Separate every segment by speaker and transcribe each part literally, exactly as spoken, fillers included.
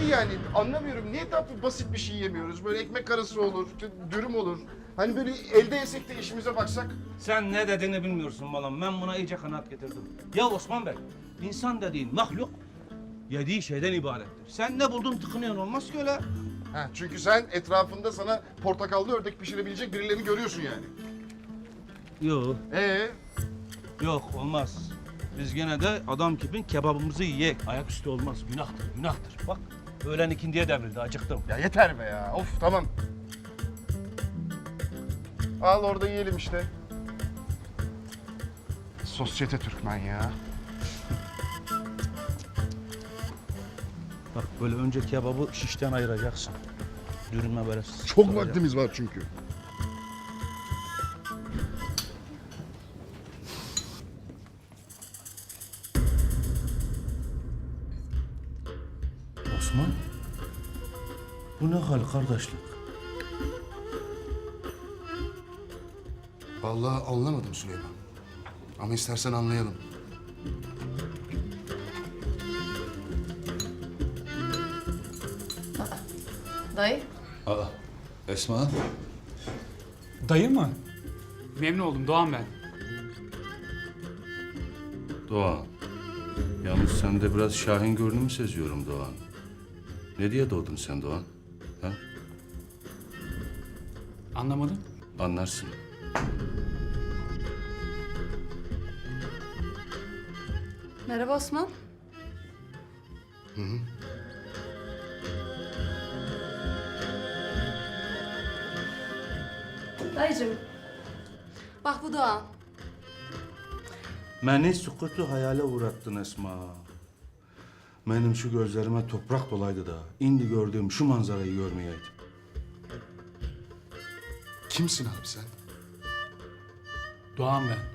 Speaker 1: Abi yani anlamıyorum. Niye daha basit bir şey yemiyoruz? Böyle ekmek arası olur, dürüm olur. Hani böyle elde yesek de işimize baksak.
Speaker 2: Sen ne dediğini bilmiyorsun balam. Ben buna iyice kanaat getirdim. Ya Osman Bey, insan dediğin mahluk yediği şeyden ibarettir. Sen ne buldun tıkınıyorsun, olmaz ki öyle.
Speaker 1: Ha, çünkü sen etrafında sana portakallı ördek pişirebilecek birilerini görüyorsun yani.
Speaker 2: Yok,
Speaker 1: Ee,
Speaker 2: yok olmaz. Biz gene de adam gibi kebabımızı yiyek. Ayaküstü olmaz, günahtır, günahtır. Bak, öğlen ikindiye devrildi, acıktım.
Speaker 1: ya yeter be ya. Of tamam. Al orada yiyelim işte. Sosyete Türkmen ya.
Speaker 2: Bak böyle önce kebabı şişten ayıracaksın. Dürüme böyle
Speaker 1: Çok
Speaker 2: sıkacaksın.
Speaker 1: vaktimiz var çünkü.
Speaker 2: Osman, bu ne hal kardeşlik?
Speaker 1: Vallahi anlamadım Süleyman. Ama istersen anlayalım.
Speaker 3: Dayı.
Speaker 4: Aa, Esma.
Speaker 5: Dayı mı? Memnun oldum, Doğan ben.
Speaker 4: Doğan. Yalnız sende biraz Şahin görünümü seziyorum Doğan. Ne diye doğdun sen Doğan? Ha?
Speaker 5: Anlamadım.
Speaker 4: Anlarsın.
Speaker 3: Merhaba Osman. Dayıcığım. Bak bu Doğan.
Speaker 2: Beni sükutu hayale uğrattın Esma. Benim şu gözlerime toprak dolaydı da indi gördüğüm şu manzarayı görmeyeydim.
Speaker 1: Kimsin abi sen?
Speaker 5: Doğan ben.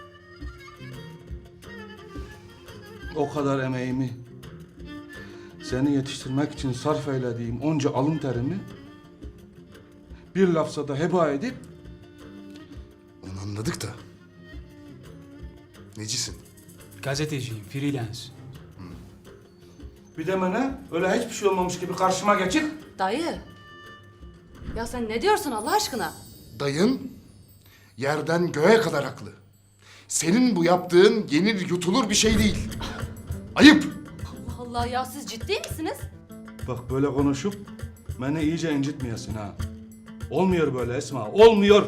Speaker 2: O kadar emeğimi, seni yetiştirmek için sarf eylediğim onca alın terimi bir lafza da heba edip
Speaker 1: Onu anladık da. Necisin?
Speaker 5: Gazeteciyim, freelance.
Speaker 2: bir de bana öyle hiçbir şey olmamış gibi karşıma geçip
Speaker 3: Dayı. Ya sen ne diyorsun Allah aşkına?
Speaker 1: Dayın yerden göğe kadar haklı. Senin bu yaptığın yenir yutulur bir şey değil. Ayıp.
Speaker 3: Allah Allah ya siz ciddi misiniz?
Speaker 2: bak böyle konuşup beni iyice incitmeyesin ha. Olmuyor böyle Esma, olmuyor.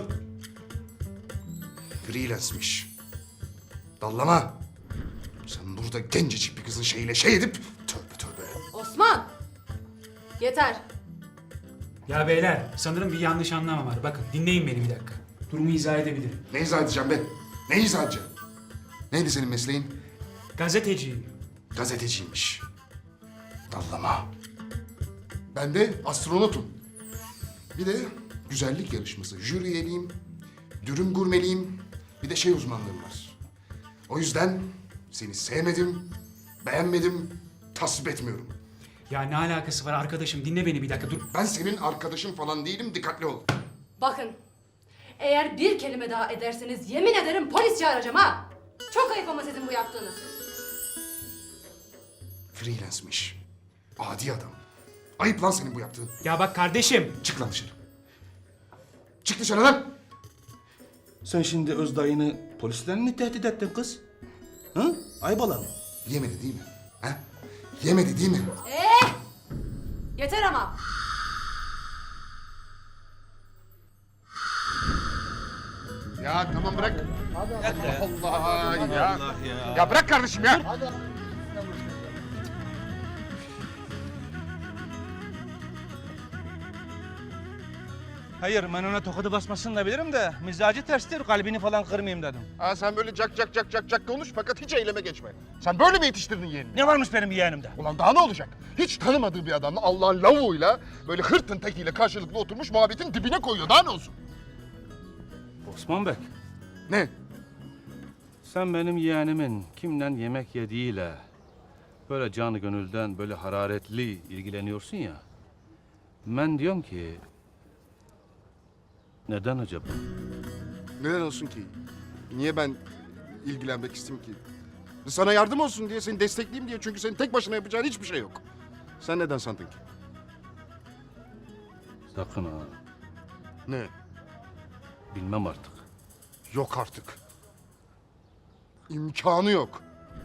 Speaker 1: Freelance'miş. Dallama. Sen burada gencecik bir kızın şeyiyle şey edip tövbe tövbe.
Speaker 3: Osman. Yeter.
Speaker 5: Ya beyler, sanırım bir yanlış anlama var. Bakın, dinleyin beni bir dakika. Durumu izah edebilirim.
Speaker 1: Ne izah edeceğim ben? Ne izah edeceğim? Neydi senin mesleğin?
Speaker 5: Gazeteciyim.
Speaker 1: Gazeteciymiş. Dallama. Ben de astronotum. Bir de güzellik yarışması, jüri üyeliğim, dürüm gurmeliyim, bir de şey uzmanlığım var. O yüzden seni sevmedim, beğenmedim, tasvip etmiyorum.
Speaker 5: Ya ne alakası var arkadaşım? Dinle beni bir dakika, dur.
Speaker 1: Ben senin arkadaşın falan değilim, dikkatli ol.
Speaker 3: Bakın. Eğer bir kelime daha ederseniz yemin ederim polis çağıracağım ha. Çok ayıp ama sizin bu yaptığınız.
Speaker 1: Freelance'miş. Adi adam. Ayıp lan senin bu yaptığın.
Speaker 5: Ya bak kardeşim.
Speaker 1: Çık lan dışarı. Çık dışarı lan.
Speaker 2: Sen şimdi öz dayını polislerle mi tehdit ettin kız? Hı? Aybalan.
Speaker 1: Yemedi değil mi? Ha? Yemedi değil mi?
Speaker 3: Ee, yeter ama.
Speaker 1: Ya tamam bırak. Allah Allah ya.
Speaker 2: Allah ya.
Speaker 1: Ya bırak kardeşim ya.
Speaker 2: Hayır, ben ona tokadı basmasını da bilirim de mizacı terstir, kalbini falan kırmayayım dedim.
Speaker 1: Ha sen böyle cak cak cak cak cak konuş fakat hiç eyleme geçme. Sen böyle mi yetiştirdin yeğenini?
Speaker 2: Ne varmış benim yeğenimde?
Speaker 1: Ulan daha ne olacak? Hiç tanımadığı bir adamla Allah'ın lavuğuyla böyle hırtın tekiyle karşılıklı oturmuş muhabbetin dibine koyuyor. Daha ne olsun?
Speaker 2: Osman Bey,
Speaker 1: Ne?
Speaker 2: sen benim yeğenimin kimden yemek yediğiyle böyle canı gönülden böyle hararetli ilgileniyorsun ya. Ben diyorum ki neden acaba?
Speaker 1: Neden olsun ki? Niye ben ilgilenmek isteyeyim ki? Sana yardım olsun diye, seni destekleyeyim diye. Çünkü senin tek başına yapacağın hiçbir şey yok. Sen neden sandın ki?
Speaker 2: Sakın ha.
Speaker 1: Ne?
Speaker 2: Bilmem artık.
Speaker 1: Yok artık. İmkanı yok.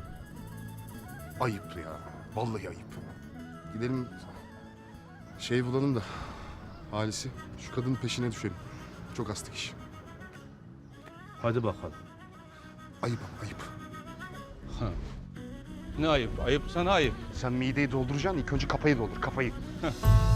Speaker 1: Ayıp ya. Vallahi ayıp. Gidelim şey bulalım da Halis'i. Şu kadının peşine düşelim. Çok astık iş.
Speaker 2: Hadi bakalım.
Speaker 1: Ayıp ama ayıp.
Speaker 2: Ne ayıp? Ayıp sana ayıp.
Speaker 1: Sen mideyi dolduracaksın, ilk önce kafayı doldur, kafayı.